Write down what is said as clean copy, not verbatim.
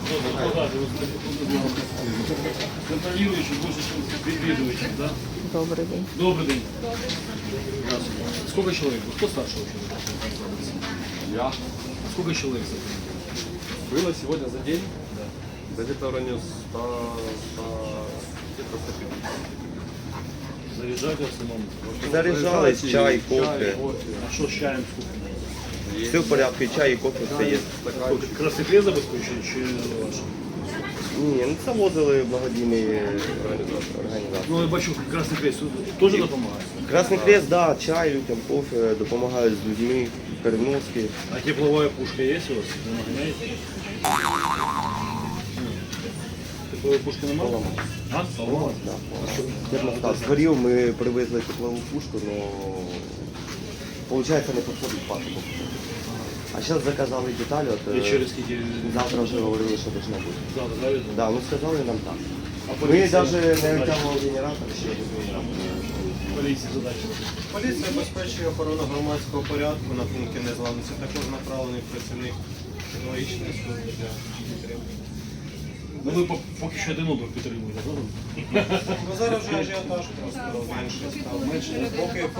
Контролирующий больше, чем відвідувачів, да? Добрий день. Добрый день. Здравствуйте. Сколько человек? Кто старшего человека? Я. Сколько человек? Было сегодня за день? Да. Где-то в районе 100, где-то 150. Заряжать в основном. Заряджались, чай, кофе. А что с чаем сколько? Все в порядку, і чай, і кофе, все є. Сколько? Красный хлеб забезпечує чи ваш? Ні, ну це возили благодійні організації. Ну, я бачу, Красный Крест теж допомагає. Красний Хрест, да, чай, людям, кофе, допомагають з людьми, переноски. А тепловая пушка есть у вас? Вы нагоняете? Тепловой пушки немає? А? Поломалась? Да, термостат згорів, ми привезли теплову пушку, але виходить не підходить пасоку. А зараз заказали деталі, от І через скільки? завтра вже говорили, що должно бути. Завтра завезли? Да, ну сказали нам так. А Ми поліція? навіть не витягували генератор, ще один генератор. Поліція задача. Поліція забезпечує охорону громадського порядку на пункті незламності. Також направлений працівник технологічної служби для підтримки. Ну ви поки що один оберт підтримуєте, правда? Ну зараз вже ажіотаж просто менше став. Поки